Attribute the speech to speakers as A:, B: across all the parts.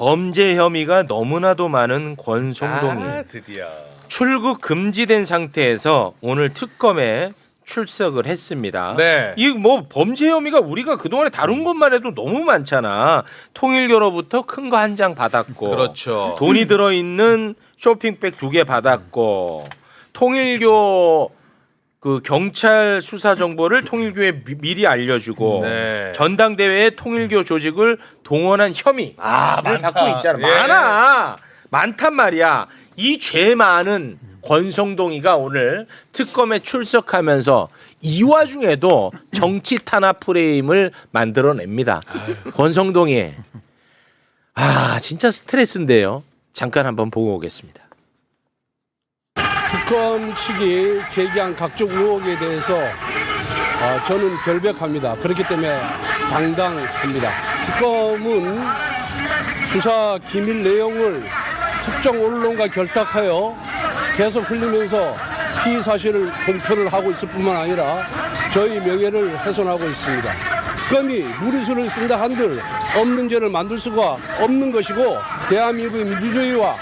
A: 범죄 혐의가 너무나도 많은 권성동이
B: 드디어
A: 출국 금지된 상태에서 오늘 특검에 출석을 했습니다.
B: 네.
A: 이 뭐 범죄 혐의가 우리가 그동안에 다룬 것만 해도 너무 많잖아. 통일교로부터 큰 거 한 장 받았고,
B: 그렇죠.
A: 돈이 들어 있는 쇼핑백 2개 받았고, 통일교 그 경찰 수사 정보를 통일교에 미리 알려주고,
B: 네.
A: 전당대회에 통일교 조직을 동원한 혐의를 받고 있잖아.
B: 예.
A: 많단 말이야. 이 죄 많은 권성동이가 오늘 특검에 출석하면서 이 와중에도 정치 탄압 프레임을 만들어냅니다. 권성동이 진짜 스트레스인데요. 잠깐 한번 보고 오겠습니다.
C: 특검 측이 제기한 각종 의혹에 대해서 저는 결백합니다. 그렇기 때문에 당당합니다. 특검은 수사 기밀 내용을 특정 언론과 결탁하여 계속 흘리면서 피의 사실을 공표를 하고 있을 뿐만 아니라 저희 명예를 훼손하고 있습니다. 특검이 무리수를 쓴다 한들 없는 죄를 만들 수가 없는 것이고 대한민국의 민주주의와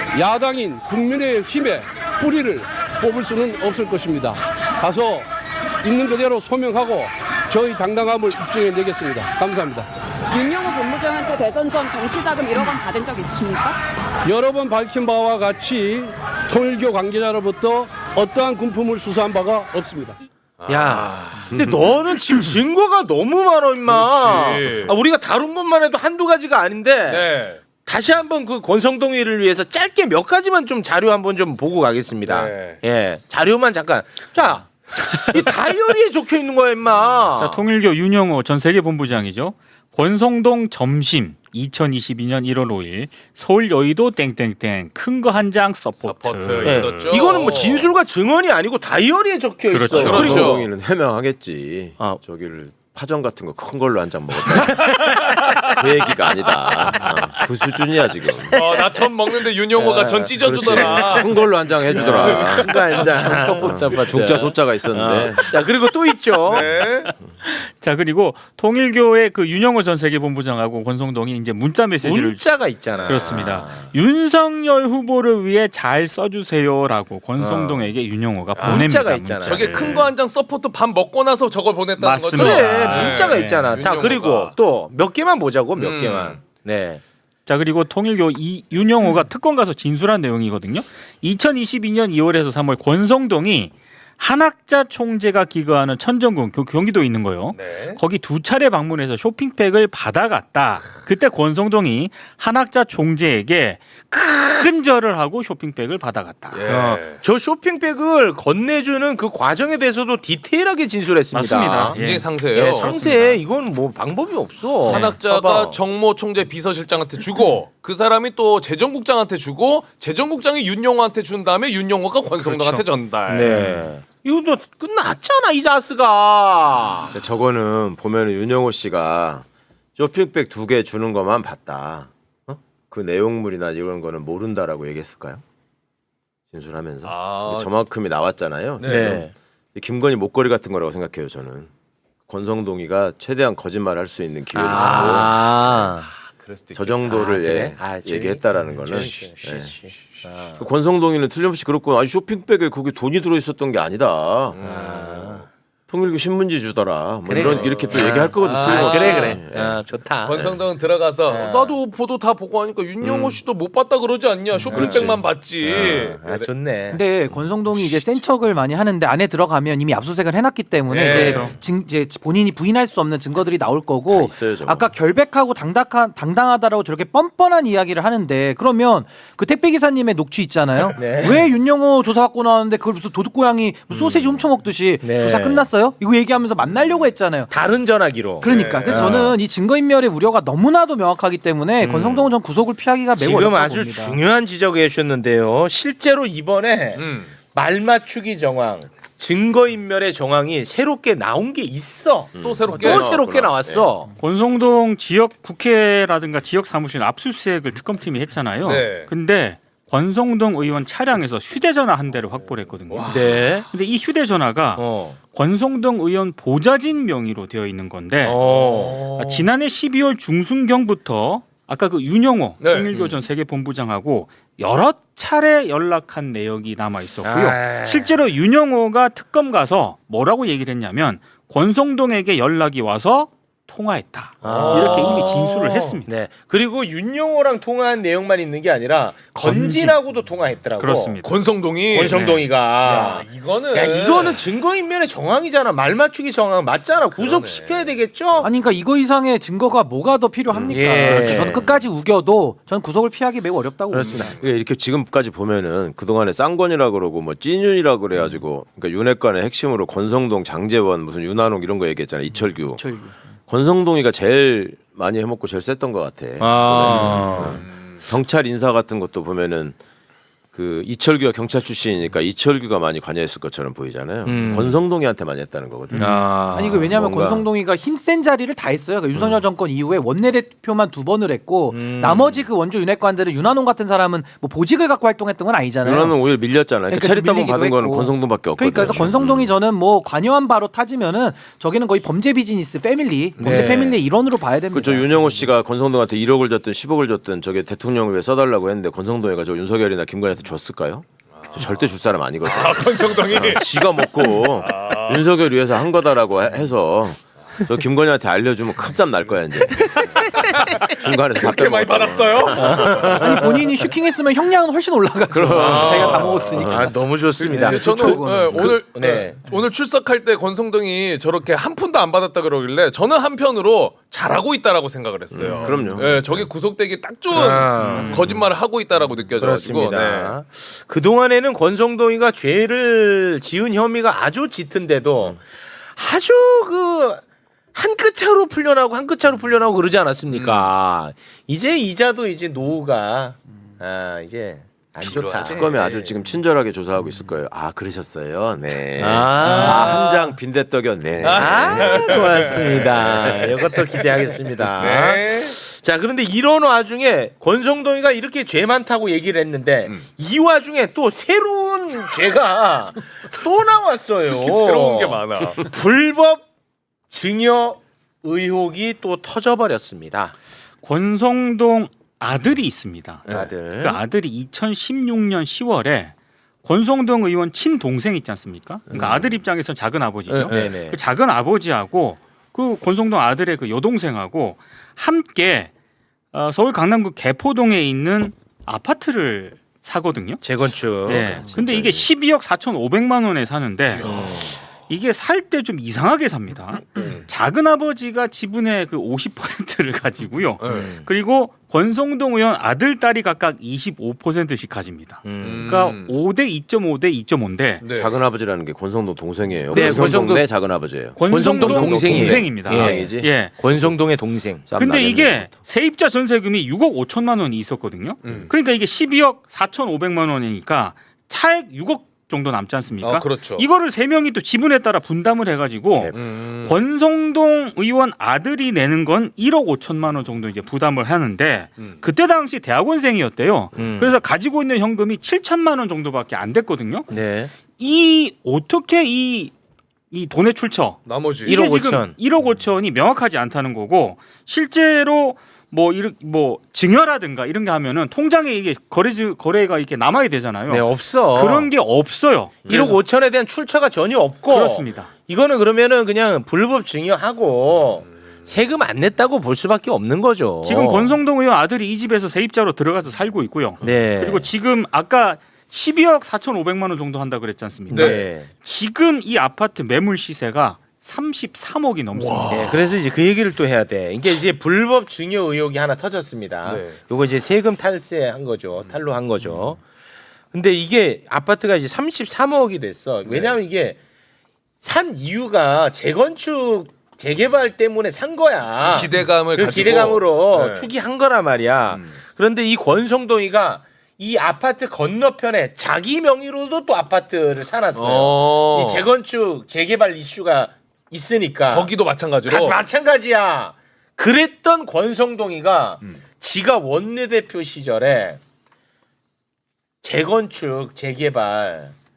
C: 야당인 국민의힘의 뿌리를 뽑을 수는 없을 것입니다. 가서 있는 그대로 소명하고 저희 당당함을 입증해내겠습니다. 감사합니다.
D: 윤영호 본부장한테 대선 전 정치자금 1억 원 받은 적 있으십니까?
C: 여러 번 밝힌 바와 같이 통일교 관계자로부터 어떠한 군품을 수사한 바가 없습니다.
A: 야, 근데 너는 지금 증거가 너무 많아, 임마.
B: 그렇지.
A: 우리가 다룬 것만 해도 한두 가지가 아닌데
B: 네.
A: 다시 한번 그 권성동이를 위해서 짧게 몇 가지만 좀 자료 한번 좀 보고 가겠습니다.
B: 네.
A: 예, 자료만 잠깐. 자, 이 다이어리에 적혀 있는 거야, 임마.
E: 자, 통일교 윤영호 전 세계본부장이죠. 권성동 점심 2022년 1월 5일 서울 여의도 땡땡땡 큰 거 한 장 서포트.
A: 예,
B: 있었죠.
A: 이거는 뭐 진술과 증언이 아니고 다이어리에 적혀 있어.
E: 그렇죠.
B: 그렇죠.
F: 권성동이는 해명하겠지. 저기를 파전 같은 거 큰 걸로 한 장 먹었다. 그 얘기가 아니다. 그 수준이야 지금.
B: 나 전 먹는데 윤영호가 전 찢어주더라.
F: 그렇지. 큰 걸로 한 장 해주더라.
A: 큰거 한 장. 서포트.
F: 중자 소자가 있었는데.
A: 자, 그리고 또 있죠.
B: 네.
E: 자, 그리고 통일교의 그 윤영호 전 세계본부장하고 권성동이 이제 문자 메시지를
A: 문자가 있잖아.
E: 그렇습니다. 윤석열 후보를 위해 잘 써주세요라고 권성동에게 윤영호가 보냅니다.
A: 문자가 있잖아요.
B: 저게 큰 거 한 장 서포트 밥 먹고 나서 저걸 보냈다는
E: 맞습니다.
B: 거죠?
A: 그래,
E: 네.
A: 문자가 있잖아. 다
B: 윤영호가.
A: 그리고 또 몇 개만 보자고, 몇 개만. 네.
E: 자, 그리고 통일교 윤영호가 특검 가서 진술한 내용이거든요. 2022년 2월에서 3월 권성동이 한학자 총재가 기거하는 천정궁 경기도에 있는 거요.
B: 네.
E: 거기 2차례 방문해서 쇼핑백을 받아갔다. 그때 권성동이 한학자 총재에게 큰 절을 하고 쇼핑백을 받아갔다.
B: 예.
A: 저 쇼핑백을 건네주는 그 과정에 대해서도 디테일하게 진술했습니다.
E: 맞습니다.
B: 굉장히 상세해요.
A: 예, 상세해. 이건 뭐 방법이 없어.
B: 한학자가
A: 봐봐.
B: 정모 총재 비서실장한테 주고 그 사람이 또 재정국장한테 주고 재정국장이 윤영호한테 준 다음에 윤영호가 권성동한테 전달.
A: 네. 이것도 끝났잖아, 이 자스가.
F: 저거는 보면은 윤영호 씨가 쇼핑백 2개 주는 것만 봤다. 그 내용물이나 이런 거는 모른다라고 얘기했을까요? 진술하면서 저만큼이 나왔잖아요.
A: 네.
F: 김건희 목걸이 같은 거라고 생각해요. 저는 권성동이가 최대한 거짓말할 수 있는 기회를
A: 그럴 수도
F: 주고 저 정도를
A: 그래?
F: 얘기했다라는 거는 그 권성동이는 틀림없이 그렇고 쇼핑백에 거기 돈이 들어 있었던 게 아니다. 통일교 신문지 주더라. 뭐
A: 그래.
F: 이렇게 또 얘기할 거거든. 틀림없이.
A: 그래.
F: 예.
A: 좋다.
B: 권성동은 들어가서 나도 보도 다 보고 하니까 윤영호 씨도 못 봤다 그러지 않냐? 쇼핑백만 봤지.
A: 좋네.
G: 근데 권성동이 이제 센 척을 많이 하는데 안에 들어가면 이미 압수수색을 해놨기 때문에
B: 네.
G: 이제 본인이 부인할 수 없는 증거들이 나올 거고
F: 있어요, 저거.
G: 아까 결백하고 당당하다라고 저렇게 뻔뻔한 이야기를 하는데 그러면 그 택배 기사님의 녹취 있잖아요.
A: 네.
G: 왜 윤영호 조사 받고 나왔는데 그걸 무슨 도둑고양이 소세지 훔쳐먹듯이
A: 네.
G: 조사 끝났어요? 이거 얘기하면서 만나려고 했잖아요.
A: 다른 전화기로.
G: 그러니까 그래서 저는 이 증거인멸의 우려가 너무나도 명확하기 때문에 권성동은 전 구속을 피하기가 매우
A: 지금
G: 어렵다고
A: 아주
G: 봅니다.
A: 중요한 지적을 해주셨는데요. 실제로 이번에 말 맞추기 정황, 증거인멸의 정황이 새롭게 나온 게 있어.
B: 또 새롭게
A: 또 새롭게 나왔어.
E: 권성동 지역 국회라든가 지역 사무실 압수수색을 특검팀이 했잖아요.
B: 네.
E: 근데 권성동 의원 차량에서 휴대전화 한 대를 확보를 했거든요.
A: 네.
E: 근데 이 휴대전화가 권성동 의원 보좌진 명의로 되어 있는 건데 지난해 12월 중순경부터 아까 그 윤영호
B: 네.
E: 통일교 전 세계본부장하고 여러 차례 연락한 내역이 남아 있었고요.
A: 아.
E: 실제로 윤영호가 특검 가서 뭐라고 얘기를 했냐면 권성동에게 연락이 와서 통화했다. 이렇게 이미 진술을 했습니다.
A: 네. 그리고 윤영호랑 통화한 내용만 있는 게 아니라 건진하고도 통화했더라고.
E: 그렇습니다.
B: 권성동이
A: 권성동이가.
B: 야, 이거는
A: 이거는 증거인멸의 정황이잖아. 말 맞추기 정황 맞잖아. 구속시켜야 되겠죠?
G: 아니 그러니까 이거 이상의 증거가 뭐가 더 필요합니까?
A: 예.
G: 저는 끝까지 우겨도 저는 구속을 피하기 매우 어렵다고
A: 그렇습니다.
G: 봅니다.
F: 이렇게 지금까지 보면은 그동안에 쌍권이라 그러고 뭐 찐윤이라 그래가지고 그러니까 윤핵관의 핵심으로 권성동, 장제원, 무슨 윤한홍 이런 거 얘기했잖아요. 이철규. 권성동이가 제일 많이 해먹고 제일 셌던 것 같아.
A: 아.
F: 경찰 인사 같은 것도 보면은 그 이철규가 경찰 출신이니까 이철규가 많이 관여했을 것처럼 보이잖아요. 권성동이한테 많이 했다는 거거든요.
G: 아니 그 왜냐하면
F: 뭔가-
G: 권성동이가 힘센 자리를 다 했어요. 그러니까 윤석열 정권 이후에 원내대표만 2번을 했고 나머지 그 원주 윤핵관들은 윤한홍 같은 사람은 뭐 보직을 갖고 활동했던 건 아니잖아요.
F: 윤한홍 오히려 밀렸잖아요.
G: 그러니까
F: 체리타본
G: 밀리기도
F: 받은 거는
G: 했고.
F: 권성동밖에 없거든요.
G: 그러니까 그래서 권성동이 저는 뭐 관여한 바로 타지면은 저기는 거의 범죄 비즈니스 패밀리, 범죄
A: 네.
G: 패밀리의 일원으로 봐야 됩니다.
F: 그저 윤영호 씨가 권성동한테 1억을 줬든 10억을 줬든 저게 대통령을 위해 써달라고 했는데 권성동이가 저 윤석열이나 김건희한테 줬을까요? 저 절대 줄 사람 아니거든요.
B: 권성동이
F: 지가 먹고 윤석열 위해서 한 거다라고 해서 저 김건희한테 알려주면 큰 싸움 날 거야 이제. 중간에서
B: 그렇게 많이 받았어요?
G: 아니 본인이 슈킹했으면 형량은 훨씬 올라가죠. 자기가 다 먹었으니까.
A: 아, 너무 좋습니다.
B: 네, 저는
G: 그거는.
B: 오늘
A: 네.
B: 오늘 출석할 때 권성동이 저렇게 한 푼도 안 받았다 그러길래 저는 한편으로 잘하고 있다라고 생각을 했어요.
F: 그럼요.
B: 네, 저게 구속되기 딱 좋은
A: 아.
B: 거짓말을 하고 있다라고 느껴져가지고.
A: 그렇습니다. 그 동안에는 권성동이가 죄를 지은 혐의가 아주 짙은데도 아주 그 한 끗 차로 풀려나고 한 끗 차로 풀려나고 그러지 않았습니까? 이제 이자도 이제 노후가 이제 안 좋다.
F: 특검이 아주 지금 친절하게 조사하고 있을 거예요. 아 그러셨어요. 네.
A: 아.
F: 한 장 빈대떡이었네.
A: 고맙습니다. 이것도 기대하겠습니다.
B: 네.
A: 자, 그런데 이런 와중에 권성동이가 이렇게 죄 많다고 얘기를 했는데 이 와중에 또 새로운 죄가 또 나왔어요.
B: 새로운 게 많아.
A: 불법 증여 의혹이 또 터져버렸습니다.
E: 권성동 아들이 있습니다.
A: 아들.
E: 그 아들이 2016년 10월에 권성동 의원 친동생 있지 않습니까? 그러니까 아들 입장에서는 작은 아버지죠.
A: 네네.
E: 그 작은 아버지하고 그 권성동 아들의 그 여동생하고 함께 서울 강남구 개포동에 있는 아파트를 사거든요.
A: 재건축.
E: 네. 근데 이게 12억 4,500만 원에 사는데 이게 살 때 좀 이상하게 삽니다. 작은 아버지가 지분의 그 50%를 가지고요. 그리고 권성동 의원 아들 딸이 각각 25%씩 가집니다. 그러니까 5대 2.5대 2.5인데
B: 네.
F: 작은 아버지라는 게 권성동 동생이에요.
A: 네,
F: 권성동
A: 권성동-
F: 내 작은 아버지예요.
A: 권성동 동생이에요.
E: 동생입니다.
F: 동생이지?
E: 예.
A: 권성동의 동생.
F: 쌈
E: 근데
F: 나겠네,
E: 이게
F: 그것도.
E: 세입자 전세금이 6억 5천만 원이 있었거든요. 그러니까 이게 12억 4,500만 원이니까 차액 6억 정도 남지 않습니까?
B: 그렇죠.
E: 이거를 세 명이 또 지분에 따라 분담을 해가지고 권성동 의원 아들이 내는 건 1억 5천만 원 정도 이제 부담을 하는데 그때 당시 대학원생이었대요. 그래서 가지고 있는 현금이 7천만 원 정도밖에 안 됐거든요.
A: 네.
E: 이 어떻게 이 돈의 출처
B: 나머지
A: 1억
E: 이게 지금
A: 5천.
E: 1억 5천이 명확하지 않다는 거고 실제로 뭐 증여라든가 이런 게 하면은 통장에 이게 거래가 이렇게 남아야 되잖아요.
A: 네, 없어.
E: 그런 게 없어요.
A: 1억 5천에 대한 출처가 전혀 없고.
E: 그렇습니다.
A: 이거는 그러면은 그냥 불법 증여하고 세금 안 냈다고 볼 수밖에 없는 거죠.
E: 지금 권성동 의원 아들이 이 집에서 세입자로 들어가서 살고 있고요.
A: 네.
E: 그리고 지금 아까 12억 4,500만 원 정도 한다 그랬지 않습니까?
A: 네.
E: 지금 이 아파트 매물 시세가 33억이 넘습니다.
A: 네, 그래서 이제 그 얘기를 또 해야 돼. 이게 이제 불법 증여 의혹이 하나 터졌습니다.
B: 네.
A: 요거 이제 세금 탈세한 거죠. 탈루한 거죠. 근데 이게 아파트가 이제 33억이 됐어. 왜냐하면 이게 산 이유가 재건축 재개발 때문에 산 거야.
B: 기대감을
A: 그
B: 가지고
A: 기대감으로
B: 네.
A: 투기한 거란 말이야. 그런데 이 권성동이가 이 아파트 건너편에 자기 명의로도 또 아파트를 사놨어요. 이 재건축 재개발 이슈가 있으니까
B: 거기도 마찬가지로
A: 마찬가지야. 그랬던 권성동이가 지가 원내대표 시절에 재건축 재개발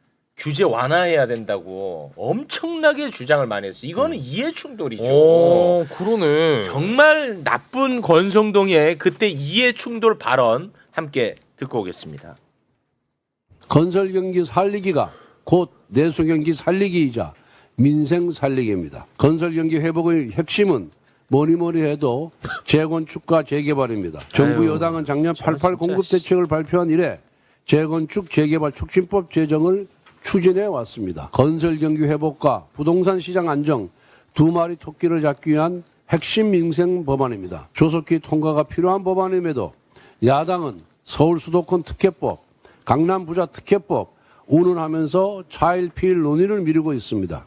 A: 규제 완화해야 된다고 엄청나게 주장을 많이 했어요. 이거는 이해 충돌이죠.
B: 오, 그러네.
A: 정말 나쁜 권성동의 그때 이해 충돌 발언 함께 듣고 오겠습니다.
C: 건설 경기 살리기가 곧 내수 경기 살리기이자 민생 살리기입니다. 건설 경기 회복의 핵심은 뭐니 해도 재건축과 재개발입니다. 정부 여당은 작년 88 공급 대책을 발표한 이래 재건축 재개발 촉진법 제정을 추진해 왔습니다. 건설 경기 회복과 부동산 시장 안정 두 마리 토끼를 잡기 위한 핵심 민생 법안입니다. 조속히 통과가 필요한 법안임에도 야당은 서울 수도권 특혜법, 강남 부자 특혜법 운운하면서 차일피일 논의를 미루고 있습니다.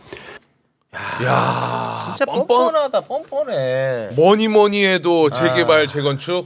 B: 야,
A: 진짜 뻔뻔하다, 뻔뻔해.
B: 뭐니 해도 재개발 재건축.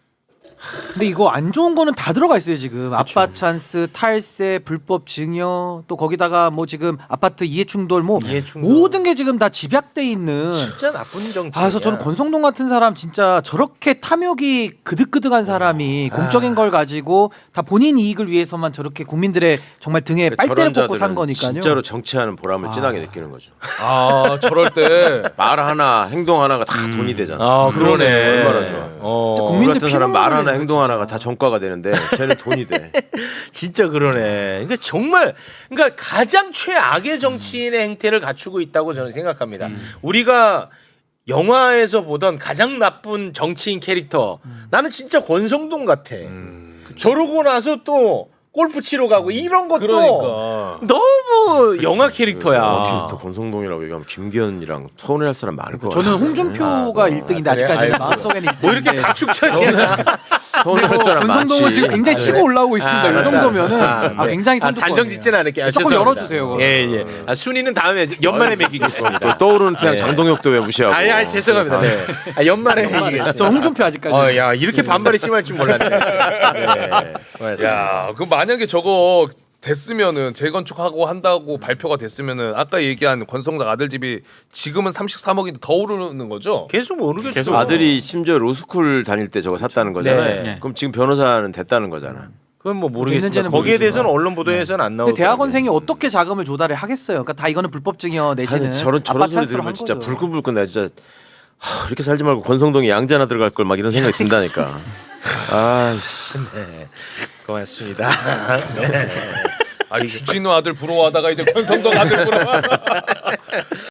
G: 근데 이거 안 좋은 거는 다 들어가 있어요 지금. 아빠 찬스, 탈세, 불법 증여, 또 거기다가 뭐 지금 아파트 이해충돌 뭐
A: 이해충돌.
G: 모든 게 지금 다 집약돼 있는.
A: 진짜 나쁜 정치.
G: 그래서 저는 권성동 같은 사람 진짜 저렇게 탐욕이 그득그득한 사람이 공적인 걸 가지고 다 본인 이익을 위해서만 저렇게 국민들의 정말 등에 빨대를 뽑고 산 거니까요.
F: 진짜로 정치하는 보람을
G: 아.
F: 진하게 느끼는 거죠.
B: 아, 저럴 때.
F: 말 하나 행동 하나가 다 돈이 되잖아.
A: 아, 그러네.
F: 얼마나 좋아.
G: 국민들
F: 우리 같은 사람 말
G: 피눈물을
F: 하나 행동
G: 진짜.
F: 하나가 다 정가가 되는데 쟤는 돈이 돼.
A: 진짜 그러네. 그러니까 정말 그러니까 가장 최악의 정치인의 행태를 갖추고 있다고 저는 생각합니다. 우리가 영화에서 보던 가장 나쁜 정치인 캐릭터 나는 진짜 권성동 같아. 저러고 나서 또 골프 치러 가고 이런 것도
B: 그러니까.
A: 너무 영화 캐릭터야.
F: 캐릭터 권성동이라고 얘기하면 김기현이랑 서운해할 사람 많을 것 같아.
G: 저는 홍준표가 1등인데
A: 그래?
G: 아직까지
A: 아이고.
G: 마음속에는 1등인데.
A: 뭐 이렇게 각축적이야.
F: 서운해할 사람 많지.
G: 권성동은 지금 굉장히 치고 올라오고 있습니다. 이
A: 알았어,
G: 정도면은
A: 알았어.
G: 굉장히 선두권.
A: 단정 짓진 않을게요. 아,
G: 조금
A: 죄송합니다.
G: 열어주세요.
A: 예. 순위는 다음에 연말에 매기겠습니다.
F: 또 떠오르는 태양
A: 예.
F: 장동혁도 왜 무시하고.
A: 아니 죄송합니다. 네. 연말에 매기겠습니다.
G: 저 홍준표 아직까지.
A: 야 이렇게 반발이 심할 줄 몰랐네. 네. 고맙습니다.
B: 야, 그 만약에 저거 됐으면은 재건축하고 한다고 발표가 됐으면은 아까 얘기한 권성동 아들 집이 지금은 33억인데 더 오르는 거죠?
A: 계속 모르겠죠.
E: 계속
F: 아들이 심지어 로스쿨 다닐 때 저거 샀다는 거잖아요.
A: 네.
F: 그럼 지금 변호사는 됐다는 거잖아.
A: 그건 뭐 모르겠습니다.
G: 됐는지는
A: 거기에
G: 모르겠지만.
A: 대해서는 언론 보도에서는 안 나오고.
G: 근데 대학원생이 어떻게 자금을 조달을 하겠어요? 그러니까 다 이거는 불법 증여 내지는
F: 아니, 저런
G: 아빠
F: 소리
G: 찬스로
F: 들으면
G: 한
F: 진짜
G: 거죠.
F: 불끈불끈 나 진짜 이렇게 살지 말고 권성동이 양자 하나 들어갈 걸 막 이런 생각이 든다니까. 아이씨.
A: 네. 고맙습니다. 네.
B: 아, 주진우 아들 부러워하다가 이제 권성동 아들 부러워.